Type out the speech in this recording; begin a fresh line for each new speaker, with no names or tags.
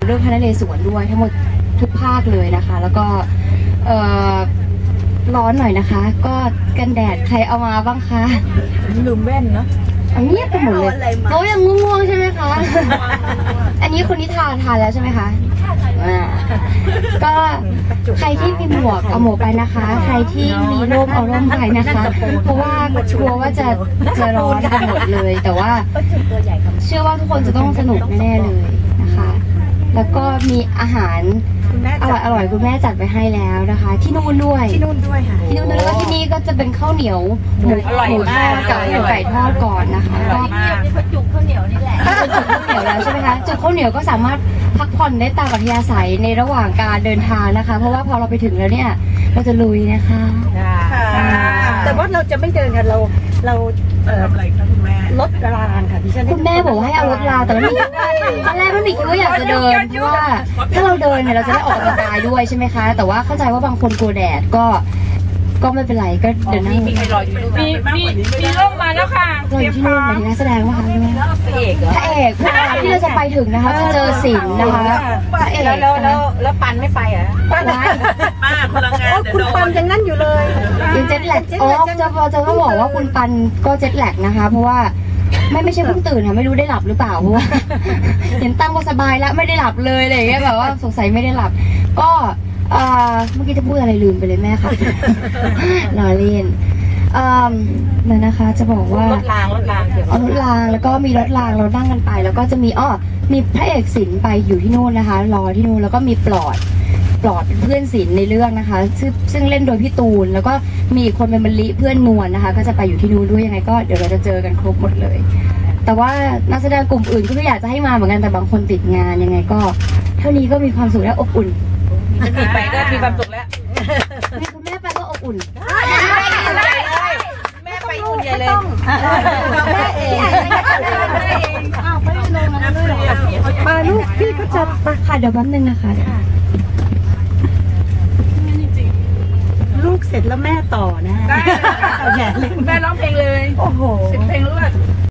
เรื่องพระนเรศวรด้วยทั้งหมดทุกภาคเลยนะคะ แล้วก็ร้อนหน่อยนะคะก็กันแดดใครเอามาบ้างคะ
ลืมแว่นเนาะ
อันนี้ไปหมดเลยเขายังง่วงๆใช่ไหมคะอันนี้คนที่ทานแล้วใช่ไหมคะก็ใครที่มีหมวกเอาหมวกไปนะคะใครที่มีร่มเอาร่มไปนะคะเพราะว่ากลัวว่าจะร้อนกันหมดเลยแต่ว่าเชื่อว่าทุกคนจะต้องสนุกแน่ๆเลยนะคะแล้วก็มีอาหารอร่อยคุณแม่จัดไปให้แล้วนะคะที่นู่นด้วยค่ะที่นู่นแล้วก็ที่นี่ก็จะเป็นข้าวเหนียวหมูทอดกับหมูไก่ทอดก่อนนะคะก็
จุกข้าวเหนียวนี่แหละ
จุกข้าวเหนียวแล้วใช่ไหมคะจุกข้าวเหนียวก็สามารถพักผ่อนได้ตามอัธยาศัยในระหว่างการเดินทางนะคะเพราะว่าพอเราไปถึงแล้วเนี่ยเราจะลุยนะคะ
แต่ว่าเราจะไม่เดินกันเราอะไรคะคุณแม่รถรางค่ะดิฉัน
คุณแม่บอกว่าให้เอารถรางแต่ไม่มีตอนแรกไม่มีคิดว่าอยากจะเดินเพราะว่าถ้าเราเดินเนี่ยเราจะได้ออกกำลังกายด้วยใช่ไหมคะแต่ว่าเข้าใจว่าบางคนกลัวแดดก็ไม่เป็นไรก็เดินนั่ง
มีร่มมาแล้วค่ะ
รออยู่ที่นู่นหมายถึงนักแสดงว่าคะพระเอกที่เราจะไปถึงนะคะจะเจอศิลป์นะคะพระเอก
แล้วปันไม่ไปอ่ะ
ป้าพลังงานคุณปันยังนั่นอยู่เลย
ยังเจ็ตแลกจะบอกว่าคุณปันก็เจ็ตแลกนะคะเพราะว่าไม่ใช่เพิ่งตื่นค่ะไม่รู้ได้หลับหรือเปล่าเพราะว่าเห็นตั้งก็สบายแล้วไม่ได้หลับเลยอะไรอย่างเงี้ยแบบว่าสงสัยไม่ได้หลับก็เมื่อกี้จะพูดอะไรลืมไปเลยแม่ค่ะรอเล่นนั่นนะคะจะบอกว่ารถรางแล้วก็มีรถรางเรานั่งกันไปแล้วก็จะมีมีพระเอกศิลป์ไปอยู่ที่นู่นนะคะรอที่นู่นแล้วก็มีปลอดเป็นเพื่อนศิลป์ในเรื่องนะคะซึ่งเล่นโดยพี่ตูนแล้วก็มีอีกคนเป็นมะลิเพื่อนนวลนะคะก็จะไปอยู่ที่นู่นด้วยยังไงก็เดี๋ยวเราจะเจอกันครบหมดเลยแต่ว่านักแสดงกลุ่มอื่นก็อยากจะให้มาเหมือนกันแต่บางคนติดงานยังไงก็เท่านี้ก็มีความสุขและอบอุ่น
ไปก็มีความสุขแล้ว
คุณแม่ไปก็อบอุ่น
แม่ไปอุ่นใหญ่เลย
แม่เอง
ไปลงนะ
มาลูกพี่ก็จะ
ค่ะเดี๋ยวแป๊บนึงนะคะ
ลูกเสร็จแล้วแม่ต่อนะ
แม่ร้องเพลงเลย
โอ้โห
10 เพลงรวด